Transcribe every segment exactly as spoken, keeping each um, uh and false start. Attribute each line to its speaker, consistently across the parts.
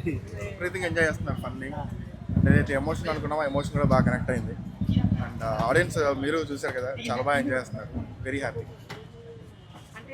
Speaker 1: Everything enjoy చేస్తున్నారు. Funny ఏదైతే emotion అనుకున్నామో ఎమోషన్ కూడా బాగా కనెక్ట్ అయింది. అండ్ ఆడియన్స్ మీరు చూసారు కదా, చాలా బాగా ఎంజాయ్ చేస్తున్నారు. Very happy.
Speaker 2: అంటే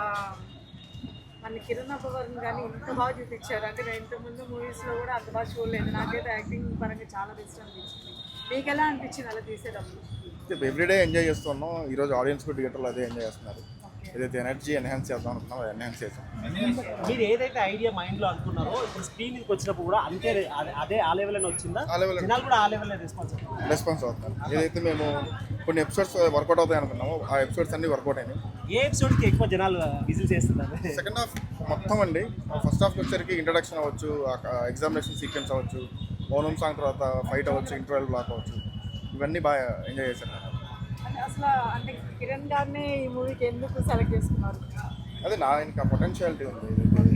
Speaker 2: మన కిరణ్ అబ్బవరం కానీ ఇంత బాగా చూపించారు. అంటే నేను ఇంతకుముందు మూవీస్లో కూడా అంత బాగా చూడలేదు. నాకైతే యాక్టింగ్ పరంగా చాలా బెస్ట్ అనిపించింది. మీకు ఎలా అనిపించింది అలా తీసేటప్పుడు?
Speaker 1: ఎవ్రీడే ఎంజాయ్ చేస్తున్నాం. ఈరోజు ఆడియన్స్ కూడా థియేటర్లో అదే ఎంజాయ్ చేస్తున్నారు. ఏదైతే ఎనర్జీ ఎన్హాన్స్ చేద్దాం అనుకున్నామో అది ఎన్హాన్స్ చేసాం.
Speaker 3: మీరు ఏదైతే ఐడియా మైండ్లో అనుకున్నారో ఇప్పుడు స్క్రీన్ మీదకి వచ్చినప్పుడు కూడా అంతే అదే ఆ లెవెల్లోనే వచ్చిందా?
Speaker 1: ఆ లెవెల్
Speaker 3: జనాలు కూడా ఆ లెవెల్లో రెస్పాన్స్
Speaker 1: రెస్పాన్స్ అవుతున్నారు. ఏదైతే మేము కొన్ని ఎపిసోడ్స్ వర్కౌట్ అవుతాయి అనుకున్నామో ఆ ఎపిసోడ్స్ అన్ని వర్కౌట్ అయినాయి.
Speaker 3: ఏ ఎపిసోడ్కి ఎక్కువ జనాలు విజిల్ చేస్తున్నారు?
Speaker 1: సెకండ్ హాఫ్ మొత్తం అండి. ఫస్ట్ హాఫ్కి వచ్చేసరికి ఇంట్రడక్షన్ అవ్వచ్చు, ఎగ్జామినేషన్ సీక్వెన్స్ అవ్వచ్చు, ఓనం సాంగ్ తర్వాత ఫైట్ అవ్వచ్చు, ఇంటర్వెల్ బ్లాక్ అవ్వచ్చు, ఇవన్నీ బాగా ఎంజాయ్ చేశాను.
Speaker 2: అసలు అంటే కిరణ్ గారిని ఈ మూవీకి ఎందుకు సెలెక్ట్ చేసుకున్నారు?
Speaker 1: అదే నా ఇంకా పొటెన్షియాలిటీ ఉంది.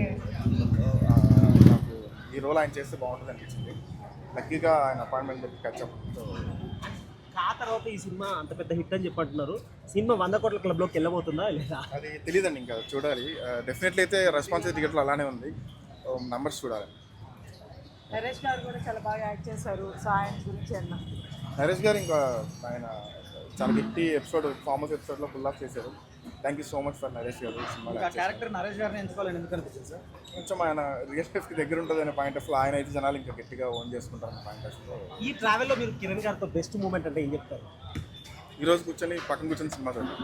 Speaker 1: నాకు ఈ రోల్ ఆయన చేస్తే బాగుంటుంది అనిపించింది. లక్కీగా ఆయన అపాయింట్మెంట్ చెప్పి కచ్చప్.
Speaker 3: ఆ తర్వాత ఈ సినిమా అంత పెద్ద హిట్ అని చెప్పంటున్నారు. సినిమా వంద కోట్ల క్లబ్లోకి వెళ్ళబోతుందా లేదా?
Speaker 1: అది తెలియదండి, ఇంకా చూడాలి. డెఫినెట్లీ అయితే రెస్పాన్స్ టికెట్లో అలానే ఉంది. నంబర్స్ చూడాలి.
Speaker 2: నరేష్ గారు కూడా చాలా బాగా యాక్ట్ చేశారు. సో ఆయన గురించి అన్న
Speaker 1: నరేష్ గారు ఇంకా ఆయన చాలా హిట్టి ఎపిసోడ్ ఫామస్ ఎపిసోడ్లో ఫుల్ ఆఫ్ చేశారు. Thank you so much for Naresh garu. Cinema
Speaker 3: character Naresh గారిని ఎంచుకోవాలని ఎందుకు అనిపించింది సార్?
Speaker 1: కొంచెం ఆయన రియల్ లైఫ్కి దగ్గర ఉంటుంది అనే పాయింట్ ఆఫ్ ఆయన అయితే జనాలు ఇంకా గట్టిగా ఓన్ చేసుకుంటారు అనే పాయింట్ ఆఫ్లో.
Speaker 3: ఈ ట్రావెల్లో మీరు కిరణ్ గారితో బెస్ట్ మూమెంట్ అంటే ఏం చెప్తారు?
Speaker 1: ఈరోజు కూర్చొని పక్కన కూర్చొని సినిమా చూడండి.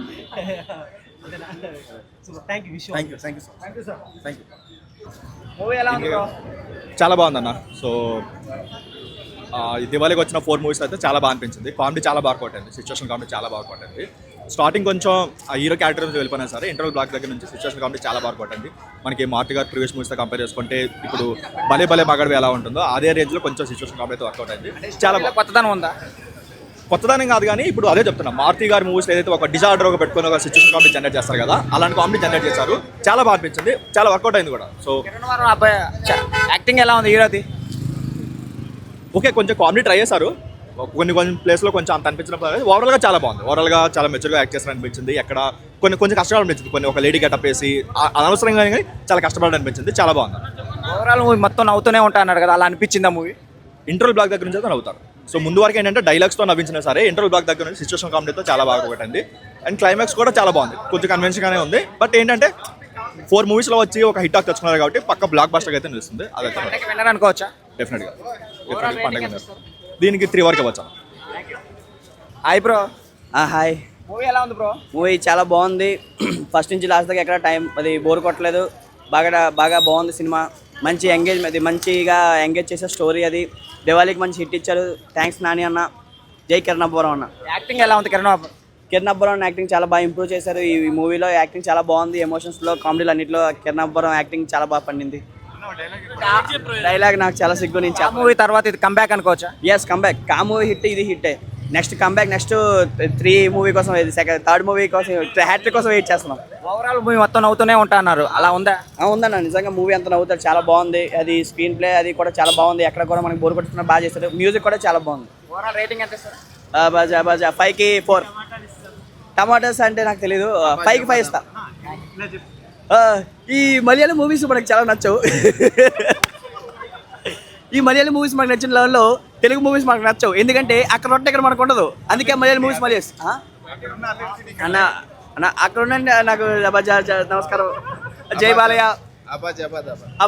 Speaker 3: Thank you wish
Speaker 1: thank you thank you so
Speaker 3: thank you sir.
Speaker 1: Thank you.
Speaker 3: Movie ఎలా ఉంది?
Speaker 4: చాలా బాగుందన్న. సో దివాళీకి వచ్చిన ఫోర్ మూవీస్ అయితే చాలా బాగా అనిపించింది. కామెడీ చాలా బాగా కొట్టింది. సిచ్యువేషన్ కామెడీ చాలా బాగా కొట్టింది. స్టార్టింగ్ కొంచెం ఆ హీరో క్యారెక్టర్ నుంచి వెళ్ళిపోయినా సరే ఇంటర్వల్ బ్లాక్ దగ్గర నుంచి సిచ్యువేషన్ కామెడీ చాలా బాగా కొట్టింది. మనకి మార్తి గారు ప్రీవియస్ మూవీస్తో కంపేర్ చేసుకుంటే ఇప్పుడు భలే భలే మగడవి ఎలా ఉంటుందో అదే రేంజ్లో కొంచెం సిచ్యువేషన్ కామెడీ అయితే వర్కౌట్ అయింది. చాలా
Speaker 3: కొత్తదనం ఉందా?
Speaker 4: కొత్తదానం కాదు కానీ ఇప్పుడు అదే చెప్తున్నా, మార్తి గారి మూవీస్ ఏదైతే ఒక డిజార్డర్ ఒక పెట్టుకుని ఒక సిచ్యువేషన్ కామెడీ జనరేట్ చేస్తారు కదా, అలాంటి కామెడీ జనరేట్ చేశారు. చాలా బాగా అనిపించింది, చాలా వర్కౌట్ అయింది కూడా. సో
Speaker 3: యాక్టింగ్ ఎలా ఉంది హీరోది?
Speaker 4: ఓకే, కొంచెం కామెడీ ట్రై చేశారు. కొన్ని కొన్ని ప్లేస్లో కొంచెం అంత అనిపించినప్పుడు ఓవరాల్గా చాలా బాగుంది. ఓవరాల్గా చాలా మెచ్యూర్గా యాక్ట్ చేస్తారు అనిపించింది. ఎక్కడ కొన్ని కొంచెం కష్టపడి అనిపించింది. కొన్ని ఒక లేడీ గెటప్ వేసి అనవసరంగా కానీ చాలా కష్టపడి అనిపించింది. చాలా బాగుంది.
Speaker 3: ఓవరాల్ మూవీ మొత్తం నవ్వుతూనే ఉంటా అన్నాడు కదా, అలా అనిపించింది ఆ మూవీ?
Speaker 4: ఇంటర్వల్ బ్లాక్ దగ్గర నుంచి అయితే నవ్వుతారు. సో ముందు వరకు ఏంటంటే డైలాగ్స్తో నవ్వించినా సరే ఇంటర్వల్ బ్లాక్ దగ్గర నుంచి సిచ్యువేషన్ కామెడీతో చాలా బాగా పెట్టింది. అండ్ క్లైమాక్స్ కూడా చాలా బాగుంది. కొంచెం కన్వెన్షన్గానే ఉంది. బట్ ఏంటంటే ఫోర్ మూవీస్లో వచ్చి ఒక హిట్ టాక్ తెచ్చుకున్నారు కాబట్టి పక్క బ్లాక్ బస్టర్ అయితే నిలుస్తుంది. అదైతే
Speaker 3: విన్నర్ అనుకోవచ్చా?
Speaker 4: డెఫినెట్గా డెఫినెట్గా పండుగ దీనికి త్రీ వరకు వచ్చాను.
Speaker 3: Hi bro.
Speaker 5: హాయ్.
Speaker 3: మూవీ ఎలా ఉంది బ్రో?
Speaker 5: మూవీ చాలా బాగుంది. ఫస్ట్ నుంచి లాస్ట్ దాకా ఎక్కడ టైం అది బోర్ కొట్టలేదు. బాగా బాగా బాగుంది సినిమా. మంచి ఎంగేజ్ అది మంచిగా ఎంగేజ్ చేసే స్టోరీ. అది దివాళీకి మంచి హిట్ ఇచ్చారు. థ్యాంక్స్ నాని అన్న. జై కిరణ్ అబ్బవరం అన్న.
Speaker 3: యాక్టింగ్ ఎలా ఉంది కిరణ్ అబ్బవరం?
Speaker 5: కిరణ్ అబ్బవరం యాక్టింగ్ చాలా బాగా ఇంప్రూవ్ చేశారు. ఈ మూవీలో యాక్టింగ్ చాలా బాగుంది. ఎమోషన్స్లో కామెడీలో అన్నింటిలో కిరణ్ అబ్బవరం యాక్టింగ్ చాలా బాగా పండింది. డైలాగ్ నాకు చాలా సిగ్గు నుంచి.
Speaker 3: ఆ మూవీ తర్వాత ఇది కంబ్యాక్ అనుకోవచ్చా?
Speaker 5: Yes, comeback. ఆ మూవీ హిట్, ఇది హిట్టే. Next comeback next three movie కోసం, సెకండ్ థర్డ్ మూవీ కోసం, హ్యాట్రిక్ కోసం వెయిట్ చేస్తున్నాం.
Speaker 3: ఓవరాల్ మూవీ మొత్తం నవ్వుతూనే ఉంటా అన్నారు, అలా ఉందా?
Speaker 5: ఉందన్న, నిజంగా మూవీ అంతా నవ్వుతారు. చాలా బాగుంది. అది స్క్రీన్ ప్లే అది కూడా చాలా బాగుంది. ఎక్కడ కూడా మనకి బోర్ కొట్టుకున్నా బాగా చేస్తారు. మ్యూజిక్ కూడా చాలా బాగుంది.
Speaker 3: ఓవరాల్ రేటింగ్ ఎంత సార్?
Speaker 5: బాజా బాజా ఫైవ్కి ఫోర్. టమాటాస్ అంటే నాకు తెలీదు. ఫైవ్కి ఫైవ్ ఇస్తా. ఈ మలయాళం మూవీస్ మనకు చాలా నచ్చవు. ఈ మలయాళం మూవీస్ మనకు నచ్చిన లెవెల్లో తెలుగు మూవీస్ మనకు నచ్చవు. ఎందుకంటే అక్కడ ఉంటే ఇక్కడ మనకు ఉండదు. అందుకే మలయాళం మూవీస్ మళ్ళీ అన్న అన్న అక్కడ ఉండండి. నాకు నమస్కారం. జై బాలయ్య.